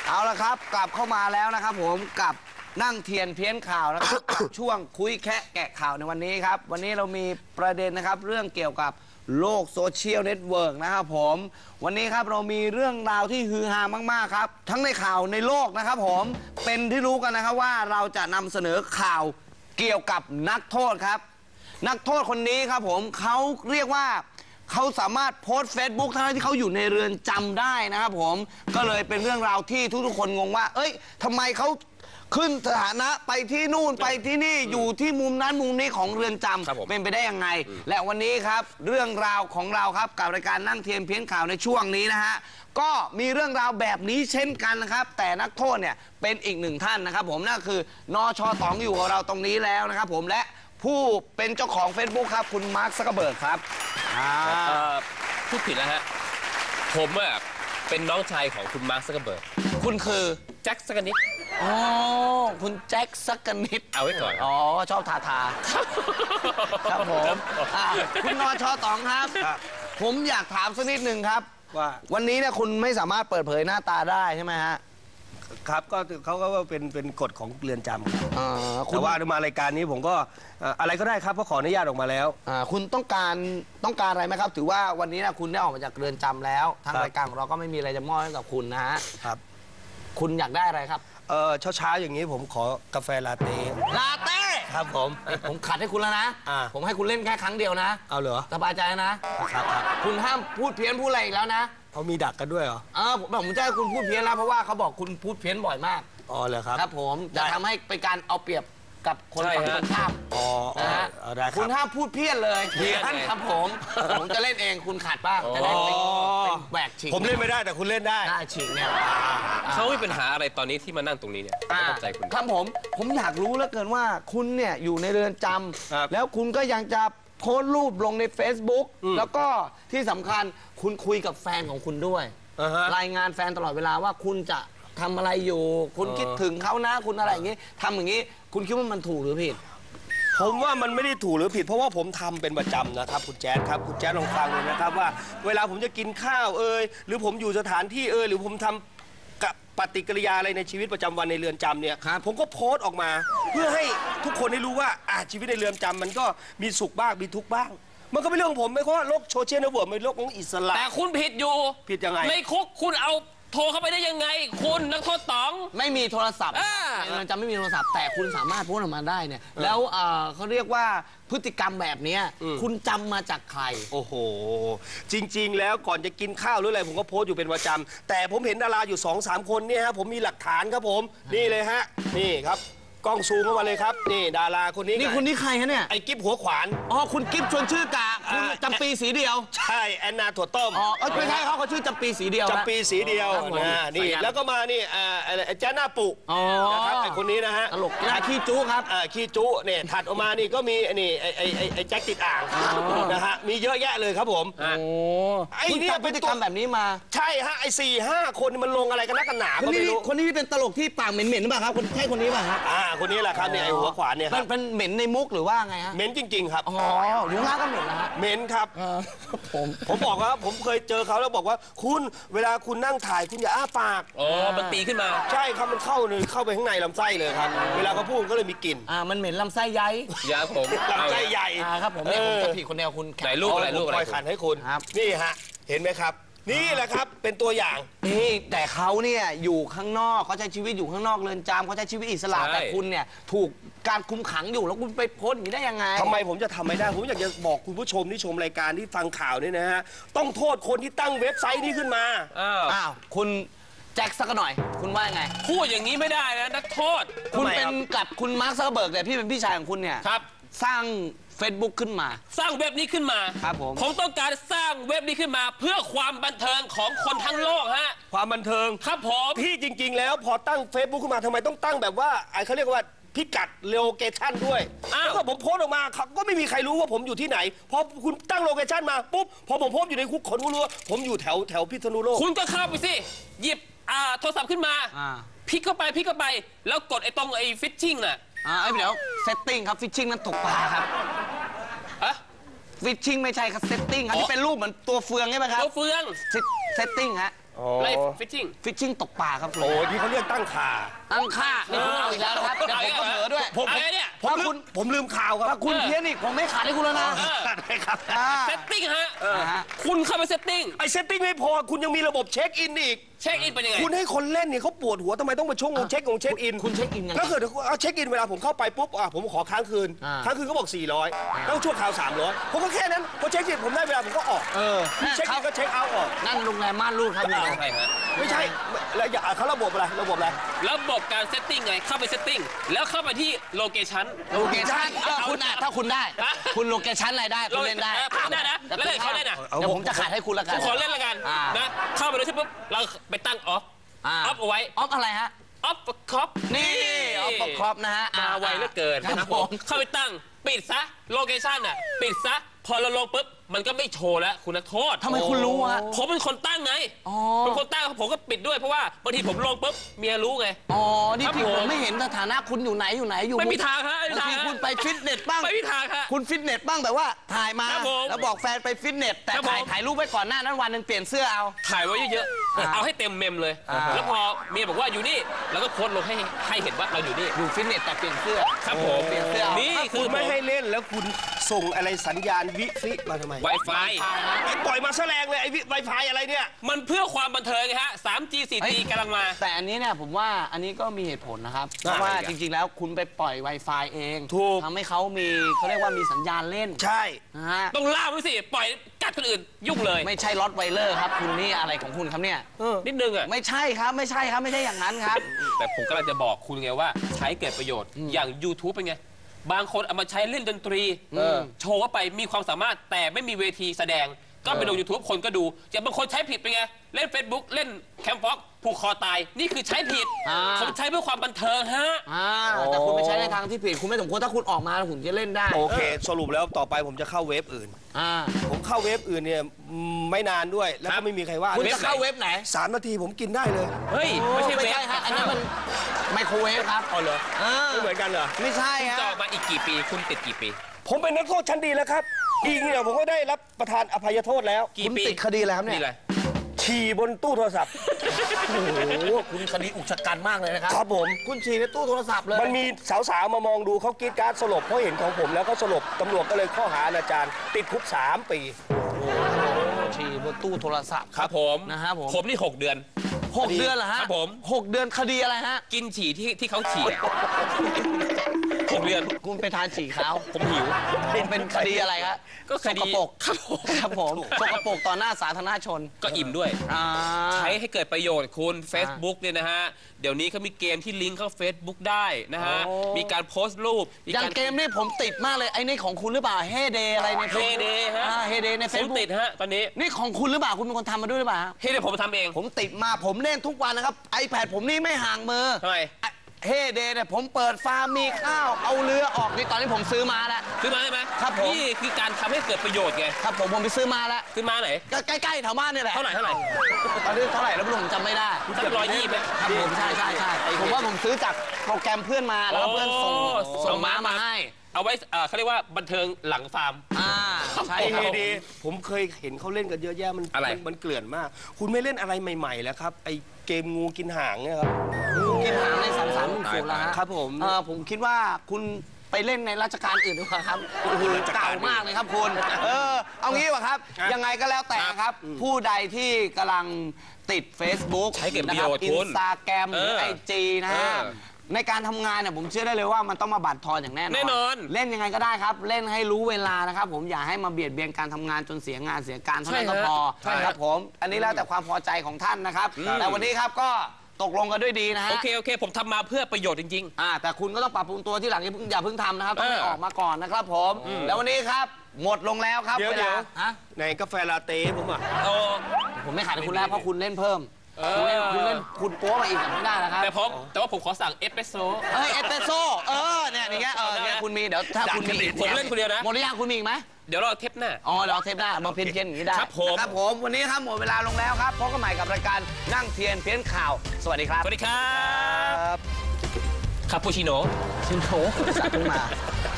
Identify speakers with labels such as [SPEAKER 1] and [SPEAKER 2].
[SPEAKER 1] เอาละครับกลับเข้ามาแล้วนะครับผมกับนั่งเทียนเพี้ยนข่าวนะครับ กับช่วงคุยแคะแกะข่าวในวันนี้ครับวันนี้เรามีประเด็นนะครับเรื่องเกี่ยวกับโลกโซเชียลเน็ตเวิร์กนะครับผมวันนี้ครับเรามีเรื่องราวที่ฮือฮามากๆครับทั้งในข่าวในโลกนะครับผมเป็นที่รู้กันนะครับว่าเราจะนำเสนอข่าวเกี่ยวกับนักโทษครับนักโทษคนนี้ครับผมเขาเรียกว่าเขาสามารถโพสต์ Facebook ทั้งที่เขาอยู่ในเรือนจำได้นะครับผมก็เลยเป็นเรื่องราวที่ทุกๆคนงงว่าเอ้ยทำไมเขาขึ้นสถานะไปที่นู่นไปที่นี่อยู่ที่มุมนั้นมุมนี้ของเรือนจำเป็นไปได้ยังไงและวันนี้ครับเรื่องราวของเราครับกับรายการนั่งเทียนเพี้ยนข่าวในช่วงนี้นะฮะก็มีเรื่องราวแบบนี้เช่นกันนะครับแต่นักโทษเนี่ยเป็นอีกหนึ่งท่านนะครับผมนั่นคือนช.ต๋องอยู่กับเราตรงนี้แล้วนะครับผมและผู้เป็นเจ้าของ Facebook ครับคุณมาร์ค ซักเคอร์เบิร์กครับ
[SPEAKER 2] พูดผิดแล้วฮะผมอะเป็นน้องชายของคุณมาร์ค ซักเคอร์เบิร์ก
[SPEAKER 1] คุณคือ
[SPEAKER 2] แจ็คสักนิด
[SPEAKER 1] อ๋อคุณแจ็คสักนิด
[SPEAKER 2] เอาไว้ก่อน
[SPEAKER 1] อ๋อชอบทาครับผมคุณนช.ต๋องครับผมอยากถามสักนิดหนึ่งครับว่าวันนี้เนี่ยคุณไม่สามารถเปิดเผยหน้าตาได้ใช่ไหมฮะ
[SPEAKER 3] ครับก็เขาก็เป็นกฎของเรือนจำแต่ว่ามารายการนี้ผมก็อะไรก็ได้ครับเพราะขออนุญาตออกมาแล้ว
[SPEAKER 1] คุณต้องการอะไรไหมครับถือว่าวันนี้นะคุณได้ออกมาจากเรือนจำแล้วทางรายการของเราก็ไม่มีอะไรจะมอบให้กับคุณนะฮะ
[SPEAKER 3] ครับ
[SPEAKER 1] คุณอยากได้อะไรครับ
[SPEAKER 3] เช้าอย่างนี้ผมขอกาแฟลาเต้ครับ
[SPEAKER 1] ผมขัดให้คุณแล้วนะผมให้คุณเล่นแค่ครั้งเดียวนะ
[SPEAKER 3] เอาเหรอ
[SPEAKER 1] สบายใจนะครับคุณห้ามพูดเพี้ยนพูดอะไรอีกแล้วนะ
[SPEAKER 3] เขามีดักกันด้วยเหรอ
[SPEAKER 1] ผมจะให้คุณพูดเพี้ยนแล้วเพราะว่าเขาบอกคุณพูดเพี้ยนบ่อยมาก
[SPEAKER 3] อ๋อเหรอครับ
[SPEAKER 1] ครับผมจะทำให้เป็นการเอาเปรียบกับคนฝั่งตรงข้ามนะฮะคุณห้ามพูดเพี้ยนเลยเพี้ยนครับผมจะเล่นเองคุณขัดบ้างจะได้เป็นแหวกฉีก
[SPEAKER 3] ผมเล่นไม่ได้แต่คุณเล่นได้
[SPEAKER 1] ฉีกเนี่ย
[SPEAKER 2] เขามีปัญหาอะไรตอนนี้ที่มานั่งตรงนี้เนี่ยเข้าใจคุณ
[SPEAKER 1] ครับผมอยากรู้เหลือเกินว่าคุณเนี่ยอยู่ในเรือนจำแล้วคุณก็ยังจะโพสต์รูปลงใน Facebook แล้วก็ที่สำคัญคุณคุยกับแฟนของคุณด้วยรายงานแฟนตลอดเวลาว่าคุณจะทำอะไรอยู่คุณคิดถึงเขานะคุณอะไรอย่างนี้ทำอย่างนี้คุณคิดว่ามันถูกหรือผิด
[SPEAKER 3] ผมว่ามันไม่ได้ถูกหรือผิดเพราะว่าผมทำเป็นประจำนะครับคุณแจ๊ดครับคุณแจ๊ดลองฟังเลยนะครับว่าเวลาผมจะกินข้าวหรือผมอยู่สถานที่หรือผมทำกับปฏิกิริยาอะไรในชีวิตประจำวันในเรือนจำเนี่ยผมก็โพสต์ออกมาเพื่อให้ทุกคนได้รู้ว่าชีวิตในเรือนจำมันก็มีสุขบ้างมีทุกข์บ้างมันก็เป็นเรื่องของผมไม่เพราะว่าโลกโซเชียลเน็ตเวิร์กเป็นโลกของอิสระ
[SPEAKER 2] แต่คุณผิดอยู่
[SPEAKER 3] ผิดยังไง
[SPEAKER 2] ในคุกคุณเอาโทรเข้าไปได้ยังไงคุณนักโทษต๋อง
[SPEAKER 1] ไม่มีโทรศัพท์ในเรือนจำไม่มีโทรศัพท์แต่คุณสามารถโพสต์ออกมาได้เนี่ยแล้วเขาเรียกว่าพฤติกรรมแบบนี้คุณจำมาจากใคร
[SPEAKER 3] โอ้โหจริงๆแล้วก่อนจะกินข้าวหรืออะไรผมก็โพสต์อยู่เป็นประจำแต่ผมเห็นดาราอยู่ 2-3 คนเนี่ยฮะผมมีหลักฐานครับผมนี่เลยฮะนี่ครับกล้องซูมเข้ามาเลยครับนี่ดาราคนนี้
[SPEAKER 1] นี่คนนี้ใครฮะเนี่ย
[SPEAKER 3] ไอ้กิ๊บหัวขวาน
[SPEAKER 1] คุณกิ๊บชวนชื่อกะคุณจำปีสีเดียว
[SPEAKER 3] ใช่แอนนาถั่วต้ม
[SPEAKER 1] ไม่ใช่เขาชื่อจำปีสีเดียว
[SPEAKER 3] จำปีสีเดียวนี่แล้วก็มานี่แจ้หน้าปุนะครับไอ้คนนี้นะฮะ
[SPEAKER 1] ตลกขี้จุครับ
[SPEAKER 3] ขี้จุเนี่ยถัดออกมานี่ก็มีนี่ไอ้แจ็คติดอ่างนะฮะมีเยอะแยะเลยครับผม
[SPEAKER 1] ไอ้นี่พฤติกรรมแบบนี้มา
[SPEAKER 3] ใช่ฮะไอ้4-5 คนมันลงอะไรกันนักกันหนา
[SPEAKER 1] ก็ไม่รู้คนนี้เป็นตลกที่ปากเหม็นๆหรือเปล่าครับใช่คนนี้ป่ะฮะ
[SPEAKER 3] คนนี้แหละครับเนี่ยไอ้หัวขวานเนี่ยครับ
[SPEAKER 1] เป็นเหม็นในมุกหรือว่าไงฮะ
[SPEAKER 3] เหม็นจริงๆครับ
[SPEAKER 1] อยู่ล่างก็เหม็นนะฮะ
[SPEAKER 3] เหม็นครับผมบอกว่าผมเคยเจอเขาแล้วบอกว่าคุณเวลาคุณนั่งถ่ายคุณอย่าอ้าปาก
[SPEAKER 2] มันตีขึ้นมา
[SPEAKER 3] ใช่ครับมันเข้าไปข้างในลำไส้เลยครับเวลาเขาพูดก็เลยมีกลิ่น
[SPEAKER 1] มันเหม็นลำไส้ใหญ่
[SPEAKER 2] ยาผม
[SPEAKER 3] ลำไส้ใหญ่
[SPEAKER 1] ครับผมจะผิดคนเดียวคุณ
[SPEAKER 2] ไหนลูกอะไร
[SPEAKER 3] คอยขันให้คุณนี่ฮะเห็นไหมครับนี่แหละครับเป็นตัวอย่าง
[SPEAKER 1] นี่แต่เขาเนี่ยอยู่ข้างนอกเขาใช้ชีวิตอยู่ข้างนอกเรือนจำเขาใช้ชีวิตอิสระแต่คุณเนี่ยถูกการคุมขังอยู่แล้วคุณไปโพสต์อย่างนี้ได้ยังไง
[SPEAKER 3] ทำไมผมจะทำไม่ได้ผมอยากจะบอกคุณผู้ชมที่ชมรายการที่ฟังข่าวนี่นะฮะต้องโทษคนที่ตั้งเว็บไซต์นี้ขึ้นมา
[SPEAKER 1] คุณแจ็คสักหน่อยคุณว่าไง
[SPEAKER 2] พูดอย่างนี้ไม่ได้นะนักโทษ
[SPEAKER 1] คุณเป็นกับคุณมาร์ค ซักเคอร์เบิร์กแต่พี่เป็นพี่ชายของคุณเนี่ย
[SPEAKER 2] ครับ
[SPEAKER 1] สร้างFacebook ขึ้นมา
[SPEAKER 2] สร้างเว็บนี้ขึ้นมา
[SPEAKER 1] ครับ
[SPEAKER 2] ผมต้องการสร้างเว็บนี้ขึ้นมาเพื่อความบันเทิงของคนทั้งโลกฮะ
[SPEAKER 3] ความบันเทิง
[SPEAKER 2] ครับผม
[SPEAKER 3] ที่จริงๆแล้วพอตั้ง Facebook ขึ้นมาทำไมต้องตั้งแบบว่าเขาเรียกว่าพิกัดโลเคชั่นด้วยแล้วก็ผมโพสต์ออกมาก็ไม่มีใครรู้ว่าผมอยู่ที่ไหนพอคุณตั้งโลเคชั่นมาปุ๊บพอผมโพสต์อยู่ในคุกคนก็รู้ว่าผมอยู่แถวพิษณุโลก
[SPEAKER 2] คุณก็เข้าไปสิหยิบโทรศัพท์ขึ้นมาพลิกเข้าไปแล้วกดตรงฟิชชิ่งน่ะ
[SPEAKER 1] เดี๋ยวเซตติ้งครับฟิชชิ่งนั้นตกปลาครับฟิชชิ่งไม่ใช่ครับเซตติ้งครับที่เป็นรูปเหมือนตัวเฟืองใช่ไหมครับ
[SPEAKER 2] ตัวเฟือง
[SPEAKER 1] เซตติ้งฮะ
[SPEAKER 3] อ๋อ
[SPEAKER 2] ไล่ฟิชชิ่ง
[SPEAKER 1] ฟิชชิ่งตกปลาครับคุณ
[SPEAKER 3] โอ้ยที่เขาเรียกตั้งข่า
[SPEAKER 1] ตั้งค่านี่คุณเอาอีกแล้วนะครับเดี๋ยวผมก็เผลอด้วย
[SPEAKER 2] อะไรเนี่ย
[SPEAKER 3] ผมลืมข่าวค
[SPEAKER 1] ถ้า
[SPEAKER 3] รับ
[SPEAKER 1] คุณเพี้ยนอีกผมไม่ขาดให้คุณแล้วนะ
[SPEAKER 3] ได้ครับ
[SPEAKER 1] อ่า
[SPEAKER 2] เซตติ้งฮะ
[SPEAKER 1] ฮะ
[SPEAKER 2] คุณเข้าไปเซตติ้ง
[SPEAKER 3] ไอเซตติ้งไม่พอคุณยังมีระบบเช็คอินอีก
[SPEAKER 2] เช็คอินเป็นยังไง
[SPEAKER 3] คุณให้คนเล่นเนี่ยเขาปวดหัวทำไมต้องมาช่วงเช็คอิน
[SPEAKER 1] คุณเช็คอินยังไง
[SPEAKER 3] ถ้าเกิดเอาเช็คอินเวลาผมเข้าไปปุ๊บผมขอค้างคืน
[SPEAKER 1] อ่า
[SPEAKER 3] ค้างคืนก็บอก 400แล้วชั่วคราว 300ผมก็แค่นั้นพอเช็คอินผมได้เวลาผมก็ออก เช็คอินก็เช็คเอาท์ออก
[SPEAKER 1] นั่นโรงแรมม่านรูดครับนี่
[SPEAKER 2] ใช่ฮะ
[SPEAKER 3] ไม่ใช่แล้วเขาระบบอะไร
[SPEAKER 2] ระบบการเซตติ้งไง เข้าไปเซตติ้ง แล้วเข้าไปที่โลเคชั่น
[SPEAKER 1] โลเคชั่นคุณถ้าคุณได้
[SPEAKER 2] ฮะ
[SPEAKER 1] คุณโลเคชั่นอะไรได้คุณเล่นได้
[SPEAKER 2] คุณได้นะ แล้วเล่นเขาได้นะ
[SPEAKER 1] เดี๋ยวผมจะขาดให้คุณละกั
[SPEAKER 2] ผ
[SPEAKER 1] น
[SPEAKER 2] มขอเล่นละกัน
[SPEAKER 1] อ่าน
[SPEAKER 2] นะ เข้าไปเลยใช่ปุ๊บ เราไปตั้งออฟ ออฟเอาไว้
[SPEAKER 1] ออฟอะไรฮะ
[SPEAKER 2] ออฟคอป
[SPEAKER 1] นี่ออฟครอบนะฮะ
[SPEAKER 2] มาไวเหลือเกิน
[SPEAKER 1] ครับ
[SPEAKER 2] นะครับ
[SPEAKER 1] ผ
[SPEAKER 2] ผม ม เข้าไปตั้ง ปิดซะ โลเคชั่นอ่ะ ปิดซะ พอเราลงปุ๊บ มันก็ไม่โชว์แล้วคุณนักโทษ
[SPEAKER 1] ทำไมคุณรู้ฮะ
[SPEAKER 2] ผมเป็นคนตั้งไง
[SPEAKER 1] อ๋อ
[SPEAKER 2] เป็นคนตั้งผมก็ปิดด้วยเพราะว่าบางทีผมลงปุ๊บเมียรู้ไง
[SPEAKER 1] อ๋อ นี่
[SPEAKER 2] ครับ
[SPEAKER 1] ที่
[SPEAKER 2] ผม
[SPEAKER 1] ผมไม่เห็นสถานะคุณอยู่ไหนอยู่
[SPEAKER 2] ไม่มีทางฮะไม่มี
[SPEAKER 1] บาง
[SPEAKER 2] ทาง
[SPEAKER 1] ที
[SPEAKER 2] ฮะ
[SPEAKER 1] คุณไปฟิตเนสบ้าง
[SPEAKER 2] ไม่มีทางฮะ
[SPEAKER 1] คุณฟิตเนสบ้างแบบว่าถ่ายมา
[SPEAKER 2] ครับผม
[SPEAKER 1] แล้วบอกแฟนไปฟิตเนสแต่
[SPEAKER 2] ครับผม
[SPEAKER 1] ถ่ายรูปไว้ก่อนหน้านั้นวันหนึงเปลี่ยนเสื้อเอา
[SPEAKER 2] ถ่ายไว้เยอะ
[SPEAKER 1] อ่า
[SPEAKER 2] ๆ เอาให้เต็มเมมเลย
[SPEAKER 1] อ่า
[SPEAKER 2] แล้วพอเมียบอกว่าอยู่นี่เราก็โพสต์ลงให้เห็นว่าเราอยู่นี่
[SPEAKER 1] อยู่ฟิตเนสแต่เปลี่ยนเสื้อ
[SPEAKER 2] ครับผม
[SPEAKER 1] เปลี่ยนเสื้อเอา
[SPEAKER 2] นี่
[SPEAKER 3] ถ้า
[SPEAKER 2] คื
[SPEAKER 3] คุ
[SPEAKER 2] อ
[SPEAKER 3] ณไม่ให้เล่นแล้วคุณส่งอะไรสัญญาณวิฟิมาทำไม
[SPEAKER 2] ไวไฟ
[SPEAKER 3] ไอ้ปล่อยมาแสลงเลยไอ้ไวไฟอะไรเนี่ย
[SPEAKER 2] มันเพื่อความบันเทิงไงฮะ 3G 4G กำลังมา
[SPEAKER 1] แต่อันนี้เนี่ยผมว่าอันนี้ก็มีเหตุผลนะครับ เพราะว่าจริงๆแล้วคุณไปปล่อย Wi-Fi เอง
[SPEAKER 3] ถูก
[SPEAKER 1] ทำให้เขาเรียกว่ามีสัญญาณเล่น
[SPEAKER 3] ใช่
[SPEAKER 1] นะฮะ
[SPEAKER 2] ต้องล่ามไว้สิ ปล่อยกัดคนอื่นยุ่งเลย
[SPEAKER 1] ไม่ใช่ล็อตไวเลอร์ครับ คุณนี่อะไรของคุณครับเนี่ย
[SPEAKER 2] นิดนึงอ่ะ
[SPEAKER 1] ไม่ใช่ครับไม่ใช่อย่างนั้นครับ
[SPEAKER 2] แต่ผมกำลังจะบอกคุณไงว่าใช้เกิดประโยชน์ อย่าง YouTube เป็นไง บางคนเอามาใช้เล่นดนตรีโชว์ว่าไปมีความสามารถแต่ไม่มีเวทีแสดง ก็ไปลง YouTube คนก็ดู อย่างบางคนใช้ผิดเป็นไง เล่น Facebook เล่นแคมป์ฟ็อกผูกคอตาย นี่คือใช้ผิด
[SPEAKER 1] อ่า
[SPEAKER 2] ผมใช้เพื่อความบันเทิงฮะ
[SPEAKER 1] แต่คุณไปใช้ในทางที่ผิดคุณไม่สมควรถ้าคุณออกมาแล้วคุณจะเล่นได้
[SPEAKER 3] โอเค สรุปแล้วต่อไปผมจะเข้าเว็บอื่น
[SPEAKER 1] อ่า
[SPEAKER 3] ผมเข้าเว็บอื่นเนี่ยไม่นานด้วย แล้ว
[SPEAKER 2] ครั
[SPEAKER 3] ก็
[SPEAKER 2] บ
[SPEAKER 3] ไม่มีใครว่า
[SPEAKER 1] คุณ
[SPEAKER 2] เว็บ
[SPEAKER 1] จะเข้าเว็บไหน
[SPEAKER 3] 3 นาทีผมกินได้เลย
[SPEAKER 2] เฮ้ย ไม่ใช่เว็บ
[SPEAKER 1] ฮะอันนั้นมันไมโครเวฟครับ
[SPEAKER 2] อ๋อเหรอ
[SPEAKER 3] ไม่เหมือนกันเหรอ
[SPEAKER 1] ไม่ใช่
[SPEAKER 2] คุณ
[SPEAKER 1] ฮะ
[SPEAKER 2] จะออกมาอีกกี่ปี คุณติดกี่ปี
[SPEAKER 3] ผมเป็นนักโทษชั้นดีแล้วครับ อีกเนี่ยผมก็ได้รับประทานอภัยโทษแล้ว
[SPEAKER 2] กี่
[SPEAKER 1] คุณ
[SPEAKER 2] ปี
[SPEAKER 1] ติดคดีอะไรครับเนี่
[SPEAKER 2] นี่
[SPEAKER 1] ย
[SPEAKER 2] เลย
[SPEAKER 3] ฉี่บนตู้โทรศัพท์
[SPEAKER 1] โอ้โหคุณคดีอุกชะกันมากเลยนะครับ
[SPEAKER 3] ครับผม
[SPEAKER 1] คุณฉี่ในตู้โทรศัพท์เลย
[SPEAKER 3] มันมีสาวๆมามองดูเขากรีดกรารสลบเพราะเห็นของผมแล้วก็สลบตำรวจก็เลยข้อหาอนาจารติดคุก3 ปี
[SPEAKER 1] ฉี่บนตู้โทรศัพท์
[SPEAKER 2] ครับผม
[SPEAKER 1] นะครับผม
[SPEAKER 2] ผมนี่ 6 เดือน
[SPEAKER 1] 6 เดือนเหรอฮะ
[SPEAKER 2] ครับผม
[SPEAKER 1] 6 เดือนคดีอะไรฮะ
[SPEAKER 2] กินฉี่ที่เขาฉี่อะ6 เดือน
[SPEAKER 1] คุณไปทานฉี่เขา
[SPEAKER 2] ผมหิว
[SPEAKER 1] เป็นคดีอะไรครับ
[SPEAKER 2] ก็คดี
[SPEAKER 1] สกปรก
[SPEAKER 2] ครับผม
[SPEAKER 1] ครับผมสกปรกต่อหน้าสาธารณชน
[SPEAKER 2] ก็อิ่มด้วย
[SPEAKER 1] อ่า
[SPEAKER 2] ใช้ให้เกิดประโยชน์คุณ Facebook เนี่ยนะฮะ เดี๋ยวนี้เขามีเกมที่ลิงก์เข้า Facebook ได้นะฮะ
[SPEAKER 1] โอ้
[SPEAKER 2] มีการโพสต์รูป
[SPEAKER 1] อย่างเกมนี่ผมติดมากเลยไอ้นี่ของคุณหรือเปล่าเฮเดอะไรใน
[SPEAKER 2] เฮเดฮะ
[SPEAKER 1] เฮเดในเฟ
[SPEAKER 2] ผ
[SPEAKER 1] ซ
[SPEAKER 2] ม
[SPEAKER 1] บุ๊ก
[SPEAKER 2] ติดฮะ ตอนนี้
[SPEAKER 1] นี่ของคุณหรือเปล่าคุณเป็นคนทำมาด้วยหรือเปล่าฮะ
[SPEAKER 2] เฮ้ยเดี๋ยวผมทำเอง
[SPEAKER 1] ผมติดมาผมเล่นทุกวันนะครับ iPad ผมนี่ไม่ห่างมือ
[SPEAKER 2] ทำไม
[SPEAKER 1] เฮเดเนี่ยผมเปิดฟาร์มมีข้าวเอาเรือออกนี่ตอนนี้ผมซื้อมาแล้ว
[SPEAKER 2] ซื้อมาใช่ไหม
[SPEAKER 1] ครับผม
[SPEAKER 2] นี่คือการทำให้เกิดประโยชน์ไง
[SPEAKER 1] ครับผมไปซื้อมาแล้ว
[SPEAKER 2] ซื้อมาไหน
[SPEAKER 1] ก็ใกล้ๆแถวบ้านนี่แหละ
[SPEAKER 2] เท่าไหร่
[SPEAKER 1] ตอนนี้เท่าไหร่แล้วไม่รู้ผมจำไม่ได้
[SPEAKER 2] สัก120ไหม
[SPEAKER 1] ครับผมใช่ผมว่าผมซื้อจากโปรแกรมเพื่อนมาแล้วก็เพื่อนส่งม้ามาให้
[SPEAKER 2] เอาไว้เขาเรียกว่าบันเทิงหลังฟาร์ม
[SPEAKER 1] ใช่
[SPEAKER 3] ไอ้
[SPEAKER 1] ค
[SPEAKER 3] เฮ
[SPEAKER 1] รับ
[SPEAKER 3] เดผมเคยเห็นเขาเล่นกันเยอะแยะมัน
[SPEAKER 2] อะไร
[SPEAKER 3] มันเกลื่อนมาก คุณไม่เล่นอะไรใหม่ๆแล้วครับไอ้เกมงูกินหางเนี่ยครับ
[SPEAKER 1] กินหางใน3310แล้วฮะ
[SPEAKER 3] ครับผม
[SPEAKER 1] ผมคิดว่าคุณไปเล่นในราชการอื่นดีกว่าครับโอ้โหเก่ามากเลยครับคุณเอางี้ดีกว่าครับ ยังไงก็แล้วแต่ครับ ผู้ใดที่กำลังติด Facebook
[SPEAKER 2] ใช้เก็บประโยชน์
[SPEAKER 1] อิ
[SPEAKER 2] คุ
[SPEAKER 1] น
[SPEAKER 2] ณ
[SPEAKER 1] สตาแกรมหรือ
[SPEAKER 2] เออ
[SPEAKER 1] IG นะฮะ ในการทำงานเนี่ยผมเชื่อได้เลยว่ามันต้องมาบั่นทอนอย่างแน่นอน
[SPEAKER 2] แน่นอน
[SPEAKER 1] เล่นยังไงก็ได้ครับ เล่นให้รู้เวลานะครับ ผมอย่าให้มาเบียดเบียนการทำงานจนเสียงานเสียการเท่านั้นก็พอ
[SPEAKER 2] ใช่ฮะ
[SPEAKER 1] ครับผมอันนี้แล้วแต่ความพอใจของท่านนะครับ แต่วันนี้ครับก็ตกลงกันด้วยดีนะฮะ
[SPEAKER 2] โอเคผมทำมาเพื่อประโยชน์จริง
[SPEAKER 1] แต่คุณก็ต้องปรับปรุงตัวที่หลังอย่าเพิ่งทำนะครับต้องให้
[SPEAKER 2] เออ
[SPEAKER 1] ออกมาก่อนนะครับผม แล้ววันนี้ครับหมดลงแล้วครับ
[SPEAKER 3] เดี๋ยว
[SPEAKER 1] เวลาฮะ
[SPEAKER 3] ในกาแฟลาเต้ผมอ่ะ
[SPEAKER 2] ๆโอ้
[SPEAKER 1] ผมไม่ขาดให้คุณแล้วเพราะคุณเล่นเพิ่ม
[SPEAKER 2] เออ
[SPEAKER 1] คุณเล่นคุณโป๊มาอีกไม่ได้นะครับ
[SPEAKER 2] แต่ว่าผมขอสั่งเอสเปรสโซ่
[SPEAKER 1] เอสเปรสโซ่เนี่ยอย่างเงี้ยเนี่ยคุณมีเดี๋ยวถ้าคุณมีอีก
[SPEAKER 2] ผมเล่นคนเดียวนะ
[SPEAKER 1] หมดหรือยังคุณมีอีกไหม
[SPEAKER 2] เดี๋ยวรอเทปหน้า
[SPEAKER 1] เดี๋ยวเอาเทปหน้ามาเพี้ยนอย่างนี้ได้
[SPEAKER 2] ครับผม
[SPEAKER 1] ครับผมวันนี้ครับหมดเวลาลงแล้วครับพบกันใหม่กับรายการนั่งเทียนเพี้ยนข่าว สวัสดีครับ
[SPEAKER 2] สวัสดีครับคาปูชิโน่
[SPEAKER 1] ชินโถสัตว์ขึ้นมา